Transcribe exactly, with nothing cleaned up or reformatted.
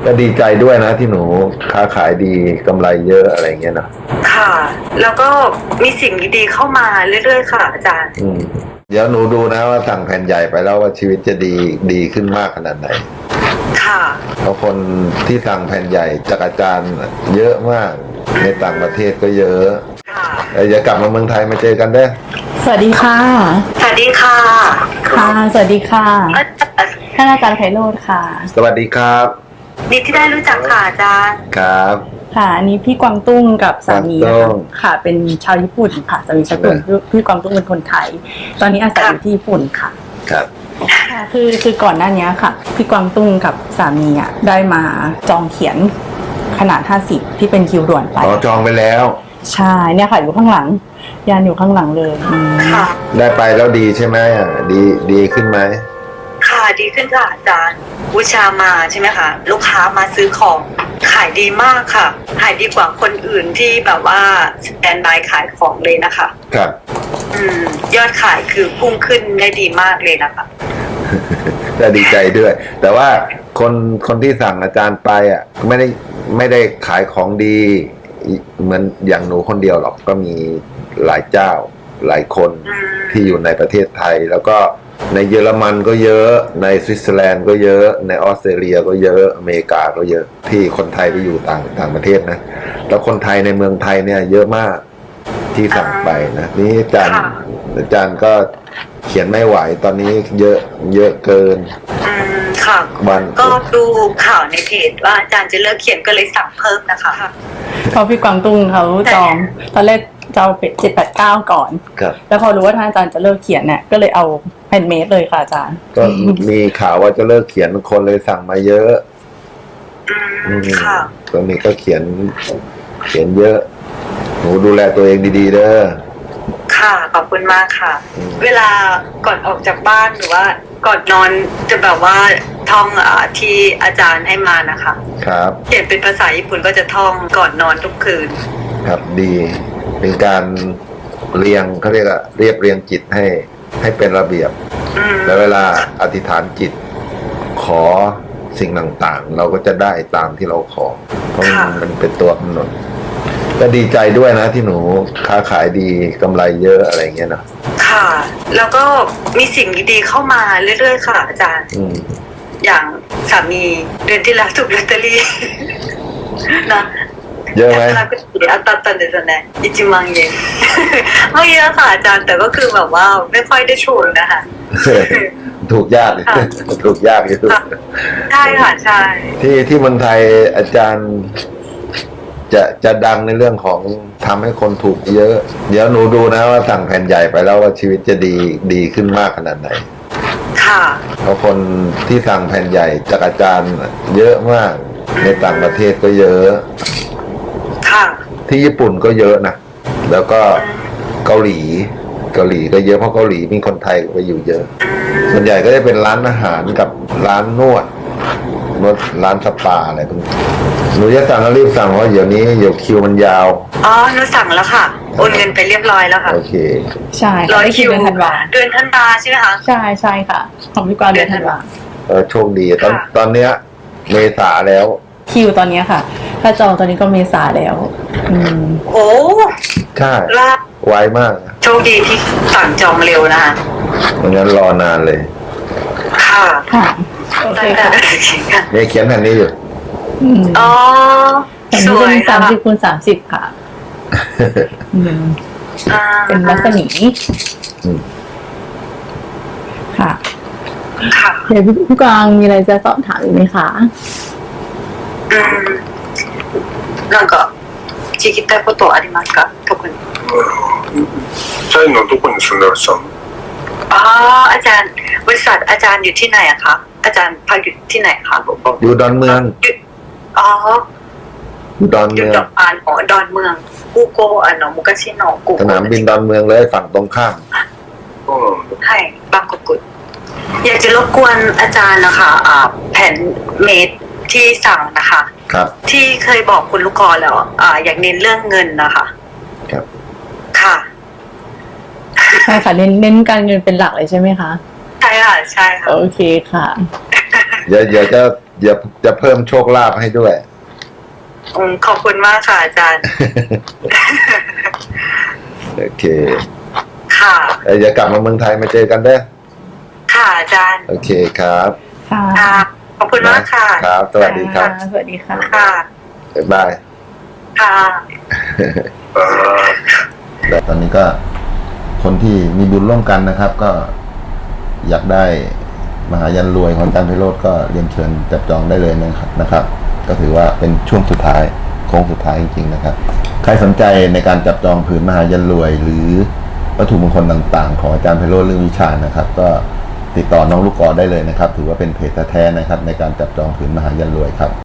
ก็ดีใจด้วยนะที่หนูค้าขายดีกำไรเยอะอะไรเงี้ยนะค่ะแล้วก็มีสิ่งดีๆเข้ามาเรื่อยๆค่ะอาจารย์อืมเดี๋ยวหนูดูนะว่าสั่งแผ่นใหญ่ไปแล้วว่าชีวิตจะดีดีขึ้นมากขนาดไหนค่ะเพราะคนที่สั่งแผ่นใหญ่จากอาจารย์เยอะมากในต่างประเทศก็เยอะเดี๋ยวกลับมาเมืองไทยมาเจอกันเด้อสวัสดีค่ะสวัสดีค่ะค่ะสวัสดีค่ะท่านอาจารย์ไพโรจน์ค่ะสวัสดีครับดีที่ได้รู้จักค่ะอาจารย์ครับค่ะอันนี้พี่กวางตุ้งกับสามีนะคะค่ะเป็นชาวญี่ปุ่นค่ะสามีชาวญี่ปุ่นพี่กวางตุ้งเป็นคนไทยตอนนี้อาศัยอยู่ที่ญี่ปุ่นค่ะครับค่ะคือคือก่อนหน้านี้ค่ะพี่กวางตุ้งกับสามีอ่ะได้มาจองเขียนขนาดห้าสิบที่เป็นคิวด่วนไปอ๋อจองไปแล้วใช่เนี่ยค่ะอยู่ข้างหลังยานอยู่ข้างหลังเลยค่ะได้ไปแล้วดีใช่ไหมอ่ะดีดีขึ้นไหมค่ะดีขึ้นค่ะอาจารย์บูชามาใช่ไหมคะลูกค้ามาซื้อของขายดีมากค่ะขายดีกว่าคนอื่นที่แบบว่าสแตนบายขายของเลยนะคะครับอืมยอดขายคือพุ่งขึ้นได้ดีมากเลยนะคะก็ดีใจด้วยแต่ว่าคนคนที่สั่งอาจารย์ไปอ่ะไม่ได้ไม่ได้ขายของดีเหมือนอย่างหนูคนเดียวหรอกก็มีหลายเจ้าหลายคนที่อยู่ในประเทศไทยแล้วก็ในเยอรมันก็เยอะในสวิตเซอร์แลนด์ก็เยอะในออสเตรเลียก็เยอะอเมริกาก็เยอะที่คนไทยไปอยู่ต่างต่างประเทศนะแล้วคนไทยในเมืองไทยเนี่ยเยอะมากที่สั่งไปนะนี่อาจารย์อาจารย์ก็เขียนไม่ไหวตอนนี้เยอะเยอะเกินอืมค่ะวันก็ดูข่าวในเพจว่าอาจารย์จะเลิกเขียนก็เลยสั่งเพิ่มนะคะเพราะพี่กวางตุ้งเขาจองตอนแรกจะเอาเจ็ดแปดเก้าก่อนแล้วพอรู้ว่าท่านอาจารย์จะเลิกเขียนเนี่ยก็เลยเอาแฮนด์เมดเลยค่ะอาจารย์ก็มีข่าวว่าจะเลิกเขียนคนเลยสั่งมาเยอะอืมค่ะตอนนี้ก็เขียนเขียนเยอะหนูดูแลตัวเองดีๆเด้อค่ะขอบคุณมากค่ะเวลาก่อนออกจากบ้านหรือว่าก่อนนอนจะแบบว่าท่องอ่าที่อาจารย์ให้มานะคะครับเขียนเป็นภาษาญี่ปุ่นก็จะท่องก่อนนอนทุกคืนครับดีเป็นการเรียงเขาเรียกอะเรียบเรียงจิตให้ให้เป็นระเบียบแล้วเวลาอธิษฐานจิตขอสิ่งต่างๆเราก็จะได้ตามที่เราขอเพราะมันเป็นตัวกำหนดก็ดีใจด้วยนะที่หนูค้าขายดีกำไรเยอะอะไรเงี้ยนะค่ะแล้วก็มีสิ่งดีๆเข้ามาเรื่อยๆค่ะอาจารย์อย่างสามีเดือนที่แล้วถูกลอตเตอรี่นะเยอะไหมอัตตันเดซนะอิจิมังเยนไม่เยอะค่ะอาจารย์แต่ก็คือแบบว่าไม่ค่อยได้โชว์นะคะถูกยากถูกยากอยู่ใช่ค่ะใช่ที่ที่เมืองไทยอาจารย์จะจะดังในเรื่องของทำให้คนถูกเยอะเดี๋ยวหนูดูนะว่าสั่งแผ่นใหญ่ไปแล้วว่าชีวิตจะดีดีขึ้นมากขนาดไหนค่ะเพราะคนที่สั่งแผ่นใหญ่จากอาจารย์เยอะมากในต่างประเทศก็เยอะค่ะที่ญี่ปุ่นก็เยอะนะแล้วก็เกาหลีเกาหลีก็เยอะเพราะเกาหลีมีคนไทยไปอยู่เยอะส่วนใหญ่ก็จะเป็นร้านอาหารกับร้านนวดนวดร้านสปาอะไรพวกนี้หนูจะสั่งก็รีบสั่งเพราะเดี๋ยวนี้เดี๋ยวคิวมันยาวอ๋อหนูสั่งแล้วค่ะโอนเงินไปเรียบร้อยแล้วค่ะโอเคใช่ร้อยคิวเดือนธันวาเดือนธันวาใช่ไหมคะใช่ใช่ค่ะของพี่กวางเดือนธันวาเออโชคดีตอนตอนเนี้ยเมษาแล้วคิวตอนนี้ค่ะถ้าจองตอนนี้ก็เมษาแล้วอืมโอ้ใช่ไวมากโชคดีที่สั่งจองเร็วนะคะไม่งั้นรอนานเลยค่ะค่ะโอเคค่ะเนี่ยเขียนแผ่นนี้อยู่อ๋อสวยสามสิบคูณสามสิบค่ะเป็นรัศมีค่ะค่ะเดี๋ยวพี่กวางมีอะไรจะสอบถามอีกไหมคะอืมなんか聞きたいことありますか特にタイのどこに住んでらっしゃるのอ๋ออาจารย์บริษัทอาจารย์อยู่ที่ไหนอะคะอาจารย์พักอยู่ที่ไหนคะอยู่ดอนเมืองอ๋ออยู่ดอนเมืองอยู่ดอนอ๋อดอนเมืองกูโกอ่ะเนาะมุกชิโนะกูสนามบินดอนเมืองเลยฝั่งตรงข้ามใช่บางกอกกุดอยากจะรบกวนอาจารย์นะคะอ่าแผ่นเมดที่สั่งนะคะครับที่เคยบอกคุณลูกค้าแล้วอ่าอยากเน้นเรื่องเงินนะคะครับค่ะใช่ค่ะเน้นเน้นการเงินเป็นหลักเลยใช่ไหมคะใช่ค่ะใช่ค่ะโอเคค่ะเดี๋ยวเดี๋ยวจะจะจะเพิ่มโชคลาภให้ด้วยอืมขอบคุณมากค่ะอาจารย์โอเคค่ะเอ้ยเดี๋ยวกลับมาเมืองไทยมาเจอกันเด้อค่ะอาจารย์โอเคครับค่ะค่ะ ขอบคุณมากค่ะครับ สวัสดีครับสวัสดีค่ะค่ะบ๊ายบายค่ะ 아, และตอนนี้ก็คนที่มีบุญร่วมกันนะครับ ก็อยากได้มหายันรวยของอาจารย์ไพโรจน์ก็เรียนเชิญจับจองได้เลยนะครับนะครับ ก็ถือว่าเป็นช่วงสุดท้ายโค้งสุดท้ายจริงๆนะครับ ใครสนใจในการจับจองผืนมหายันรวย หรือวัตถุมงคลต่างๆ ของอาจารย์ไพโรจน์เรื่องวิชานะครับ ก็ติดต่อน้องลูกกอได้เลยนะครับ ถือว่าเป็นเพจแท้ๆนะครับ ในการจับจองผืนมหายันรวยครับ